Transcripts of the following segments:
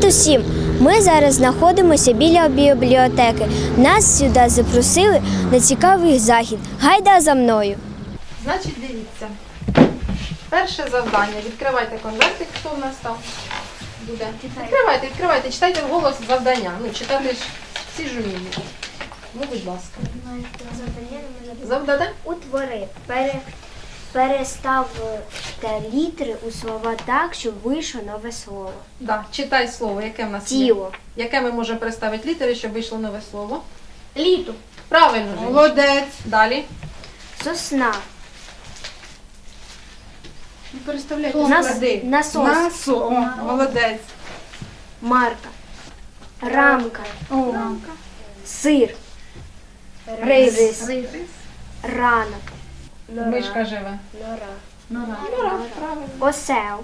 усім! Ми зараз знаходимося біля бібліотеки. Нас сюди запросили на цікавий захід. Гайда за мною! Значить, дивіться. Перше завдання. Відкривайте конвертик, хто в нас там буде. Відкривайте, читайте вголос завдання. Ну, читати ж всі ж вміють. Ну, будь ласка. Завдання? Утвори. Переставте літери у слова так, щоб вийшло нове слово. Да. Читай слово, яке в нас є. Тіло. Яке ми можемо переставити літери, щоб вийшло нове слово? Літо. Правильно, Женечка. Молодець. Далі. Сосна. Переставляйте. Насос. Молодець. Марка. Рамка. Сир. Рис. Ранок. Мишка живе. Нора. Правильно. Осел.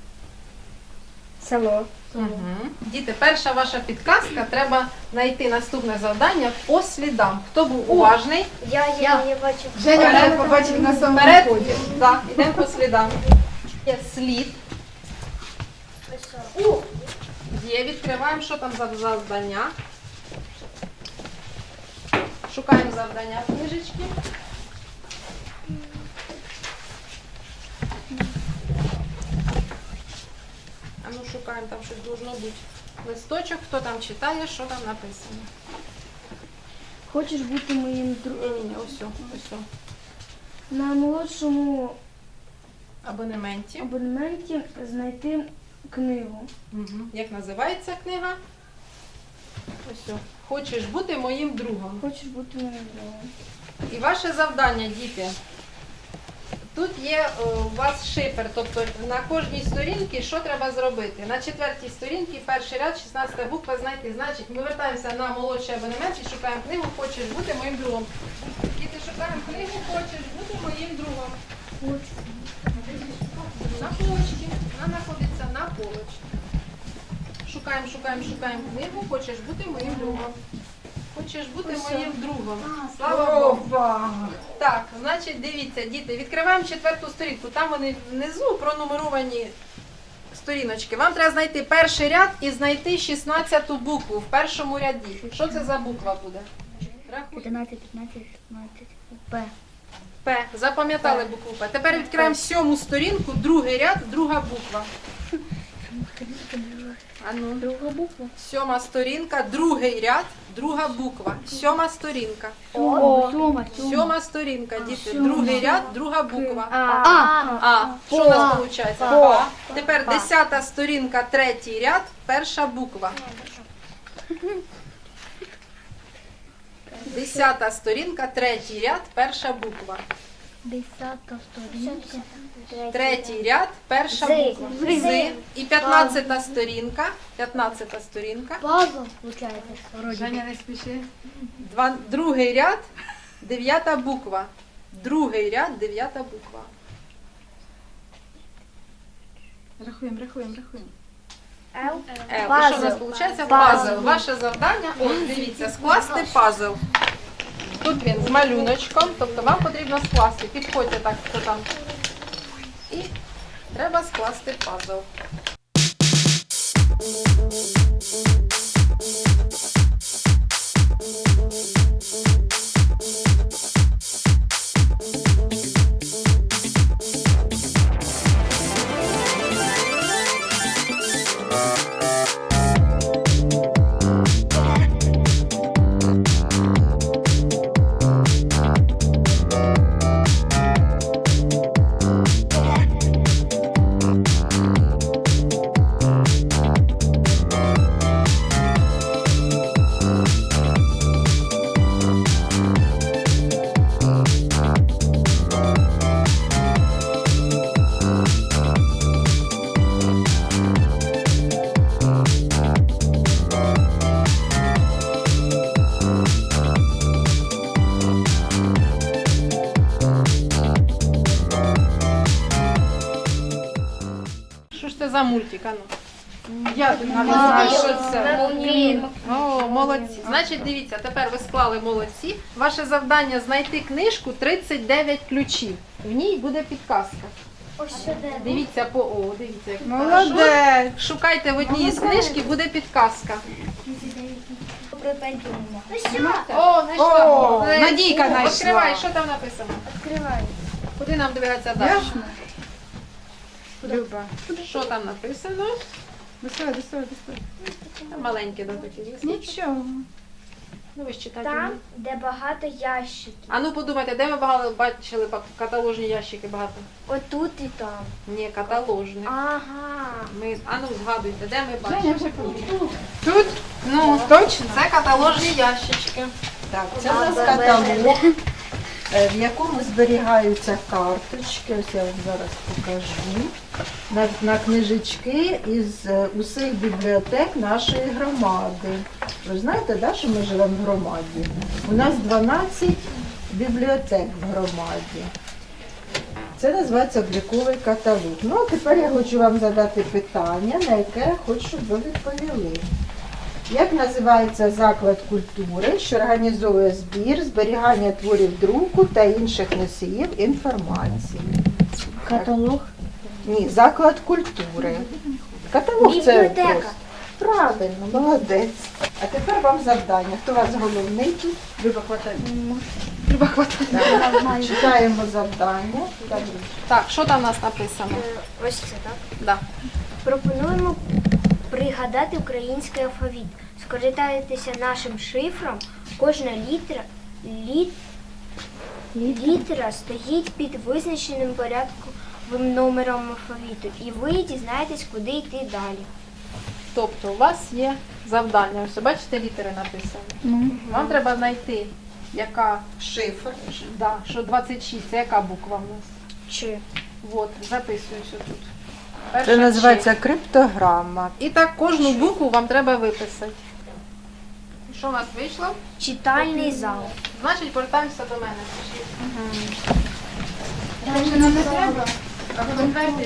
Село. Угу. Діти, перша ваша підказка. Треба знайти наступне завдання по слідам. Хто був уважний? Я не бачу. Женя вже побачив на самому Вперед. ході. Так, йдемо по слідам. Є слід. Є, відкриваємо, що там за завдання. Шукаємо завдання в книжечки. А ну шукаємо, там щось должно бути. Листочок, хто там читає, що там написано. Хочеш бути моїм другом? Ні, ось. На молодшому Абонементі. абонементі знайти книгу. Угу. Як називається книга? Ось. Хочеш бути моїм другом. Хочеш бути моїм другом? І ваше завдання, діти. Тут є у вас шифр, тобто на кожній сторінці що треба зробити. На 4-й сторінці, перший ряд, 16 буква знайти. Значить, ми вертаємося на молодший абонемент і шукаємо книгу «Хочеш бути моїм другом». Діти, шукаємо книгу «Хочеш бути моїм другом». На полочці. Вона знаходиться на полочці. Шукаємо книгу «Хочеш бути моїм другом». Хочеш бути моїм другом. Слава Богу. Так, значить, дивіться, діти, відкриваємо 4-ту сторінку. Там вони внизу пронумеровані сторіночки. Вам треба знайти перший ряд і знайти 16-ту букву в першому ряді. Що це за буква буде? Рахуй. 15, 15, 16. П. П. Запам'ятали букву П. Тепер відкриваємо 7-му сторінку, другий ряд, друга буква. Ану. Друга буква. 7-ма сторінка, другий ряд, друга буква. 7-ма сторінка. Сьома. 7-ма сторінка, діти. Другий ряд, друга буква. А. А. Що у нас виходить? А. Тепер 10-та сторінка, третій ряд, перша буква. 10-та сторінка, третій ряд, перша буква. 10-та сторінка. Третій ряд, перша буква. З. І 15-та сторінка. 15-та сторінка. Пазл, виходить. Женя, не спіши. Другий ряд, 9-та буква. Другий ряд, 9-та буква. Рахуємо. Л. І що у нас виходить? Пазл. Ваше завдання, от дивіться, скласти пазл. Тут він з малюночком, тобто вам потрібно скласти. Підходьте так, хто там. І треба скласти пазл. Що ж це за мультик, ану? Я тут навіть знаю, що це. О, молодці. Значить, дивіться, тепер ви склали молодці. Ваше завдання знайти книжку «39 ключів». В ній буде підказка. Дивіться по О, дивіться, як Молодець. шукайте в одній із книжки, буде підказка. О, знайшла. О, Молодець. Надійка знайшла. Відкривай, що там написано? Відкриваю. Куди нам дивитися далі? Ясно? Люба. Що там написано? Доставай. Там маленькі до такі листочки. Нічого. Ну ви ж читайте. Там, де багато ящиків. А ну подумайте, де ми бачили каталожні ящики багато? Отут і там. Ні, каталожні. Ага. А ну згадуйте, де ми Женя бачимо? вже побіг. Тут? Ну, Точно? це каталожні ящички. Так, це у нас каталог, в якому зберігаються карточки. Ось я вам зараз покажу. На книжечки із усіх бібліотек нашої громади. Ви ж знаєте, да, що ми живемо в громаді? У нас 12 бібліотек в громаді. Це називається обліковий каталог. Ну, а тепер я хочу вам задати питання, на яке я хочу, щоб ви відповіли. Як називається заклад культури, що організовує збір, зберігання творів друку та інших носіїв інформації? Каталог. Ні, заклад культури. Каталог це Бібліотека. просто. Правильно, молодець. А тепер вам завдання. Хто у вас головний тут? Люба, хватай. Люба, хватай. Читаємо завдання. Так, що там у нас написано? Ось це, так? Да. Пропонуємо пригадати український алфавіт. Скористайтеся нашим шифром. Кожна літера стоїть під визначеним порядковим номером алфавіту. І ви дізнаєтесь, куди йти далі. Тобто у вас є завдання. Ось бачите, літери написані. Вам треба знайти, яка Шифр. да, що 26, це яка буква в нас. Чи? От, записуюся тут. Це Перша називається криптограма. Ч. І так кожну букву вам треба виписати. Що у нас вийшло? Читальний зал. Значить, повертаємося до мене. Вже нам не треба? А конверти?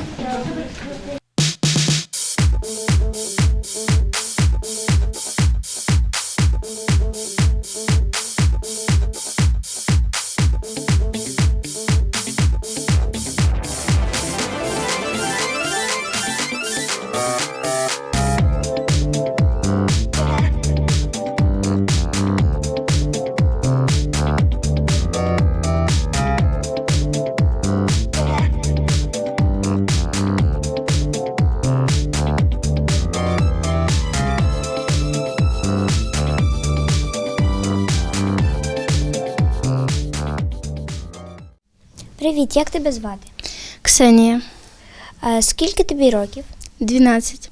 Привіт, як тебе звати? Ксенія, Скільки тобі років? 12.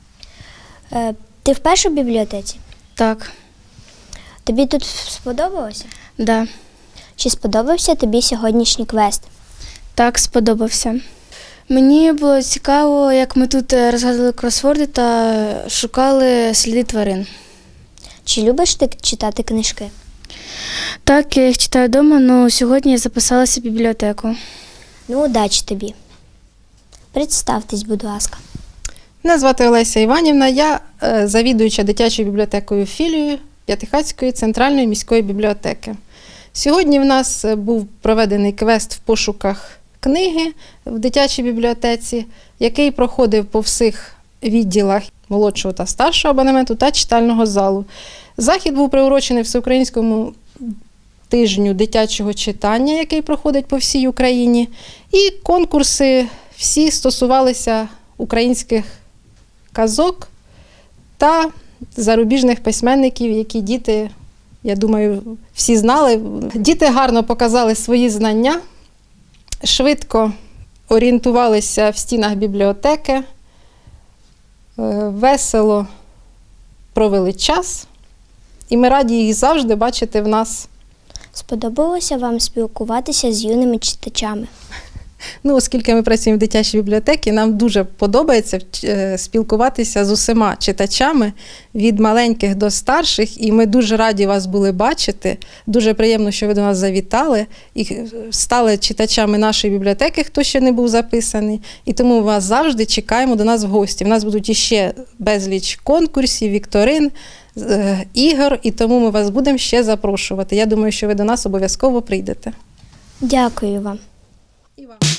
Ти вперше в бібліотеці? Так, Тобі тут сподобалося? да. Чи сподобався тобі сьогоднішній квест? Так, сподобався. Мені було цікаво, як ми тут розгадували кросворди та шукали сліди тварин. Чи любиш ти читати книжки? Так, я їх читаю вдома, але сьогодні я записалася в бібліотеку. Ну, удачі тобі. Представтесь, будь ласка. Мене звати Олеся Іванівна, я завідуюча дитячою бібліотекою філією П'ятихатської центральної міської бібліотеки. Сьогодні в нас був проведений квест в пошуках книги в дитячій бібліотеці, який проходив по всіх відділах молодшого та старшого абонементу та читального залу. Захід був приурочений Всеукраїнському тижню дитячого читання, який проходить по всій Україні. І конкурси всі стосувалися українських казок та зарубіжних письменників, які діти, я думаю, всі знали. Діти гарно показали свої знання, швидко орієнтувалися в стінах бібліотеки, весело провели час. І ми раді їх завжди бачити в нас. Сподобалося вам спілкуватися з юними читачами? Ну, оскільки ми працюємо в дитячій бібліотеці, нам дуже подобається спілкуватися з усіма читачами від маленьких до старших, і ми дуже раді вас були бачити. Дуже приємно, що ви до нас завітали і стали читачами нашої бібліотеки, хто ще не був записаний. І тому вас завжди чекаємо до нас в гості. В нас будуть іще безліч конкурсів, вікторин, ігор, і тому ми вас будемо ще запрошувати. Я думаю, що ви до нас обов'язково прийдете. Дякую вам. І вам.